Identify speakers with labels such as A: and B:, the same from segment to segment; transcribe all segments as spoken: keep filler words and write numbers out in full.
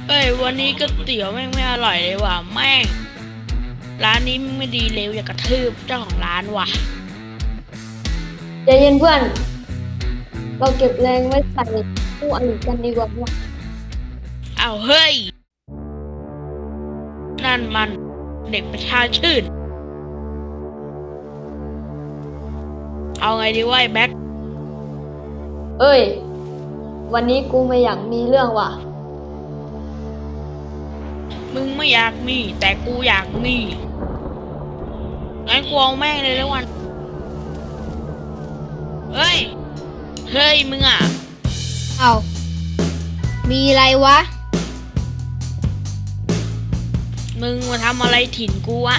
A: เอ้ยวันนี้ก๋วยเตี๋ยวแม่งไม่อร่อยเลยว่ะแม่งร้านนี้ไม่ดีเลวอยากกระทืบเจ้าของร้านว่ะ
B: ใจเย็นเพื่อน เราเก็บแรงไว้ใส่ผู้อริกันดีกว่าว่ะ
A: อ้าวเฮ้ยนั่นมันเด็กประชาชื่นเอาไงดีวะไอ้แบ็ค
B: เอ้ย วันนี้กูไม่อยากมีเรื่องว่ะ
A: มึงไม่อยากมีแต่กูอยากมีงั้นกูเอาแม่งเลยแล้ววันเฮ้ยเฮ้ยมึงอ่ะ
C: เอามีอะไรวะ
A: มึงมาทำอะไรถิ่นกูวะ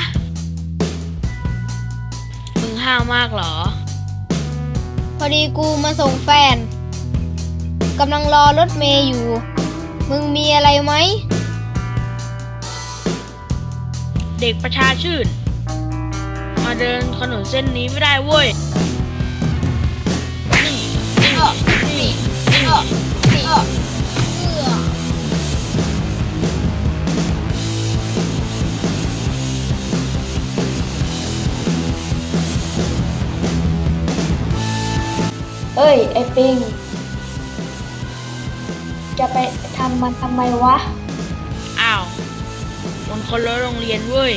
A: มึงห้าวมากเหรอ
C: พอดีกูมาส่งแฟนกำลังรอรถเมย์อยู่ มึงมีอะไรไหม
A: เด็กประชาชื่นมาเดินถนนเส้นนี้ไม่ได้เว้ยนี่นี่นี่นี่นี่
B: เอ้ย ไอ้ปิง จะไปทำมันทำไมวะ
A: อ้าวมันคนละโรงเรียนเว้ย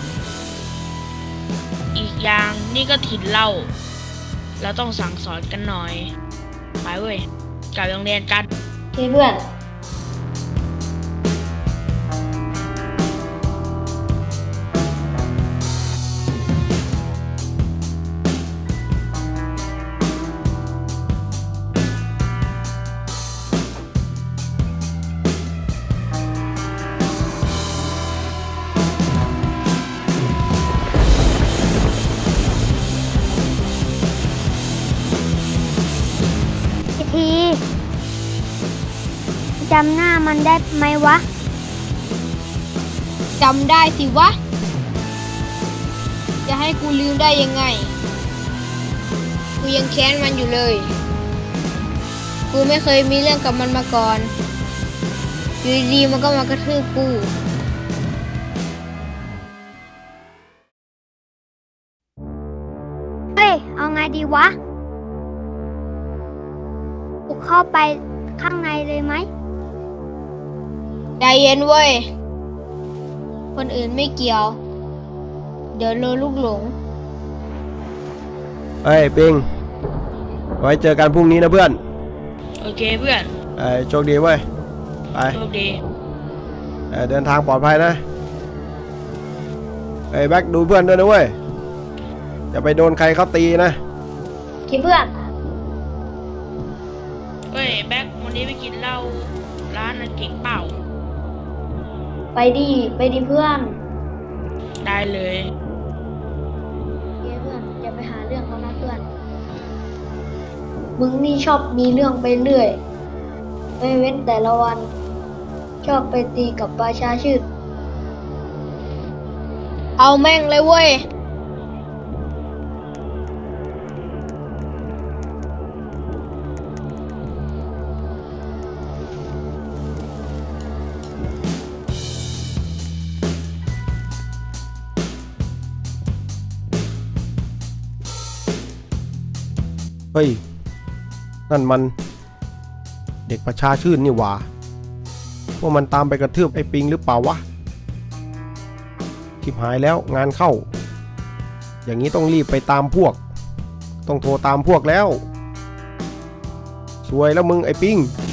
A: อีกอย่างนี่ก็ถิ่นเราเราต้องสั่งสอนกันหน่อยไปเว้ยกลับโรงเรียนกัน
B: โอเคเพื่อน
C: ทีจำหน้ามันได้ไหมวะจำได้สิวะจะให้กูลืมได้ยังไงกูยังแค้นมันอยู่เลยกูไม่เคยมีเรื่องกับมันมาก่อนอยู่ดีๆมันก็มากระทืบกูเฮ้ยเอาไงดีวะกูเข้าไปข้างในเลยไหมใจเย็นเว้ยคนอื่นไม่เกี่ยวเดี๋ยวโดนลูกหลง
D: เฮ้ยปิงไว้เจอกันพรุ่งนี้นะเพื่อน
A: โอเคเพื่อน
D: ไอ้โชคดีเว้ยไป
A: โชคดี
D: เดินทางปลอดภัยนะไอ้แบ็คดูเพื่อนด้วยนะเว้ยอย่าไปโดนใครเขาตีนะ
B: คิดเพื่อน
A: เฮ้ยแบ็ควันนี้ไปกินเหล้าร้านนั้นเก่งเปล่า
B: ไปดิไปดิเพื่อน
A: ได้เลย
B: เย้เพื่อนอย่าไปหาเรื่องเขานะเพื่อนมึงนี่ชอบมีเรื่องไปเรื่อยไม่เว้นแต่ละวันชอบไปตีกับประชาชื่น
C: เอาแม่งเลยเว้ย
D: เฮ้ยนั่นมันเด็กประชาชื่นนี่หว่าพวกมันตามไปกระทืบไอ้ปิงหรือเปล่าวะทิบหายแล้วงานเข้าอย่างนี้ต้องรีบไปตามพวกต้องโทรตามพวกแล้วสวยแล้วมึงไอ้ปิง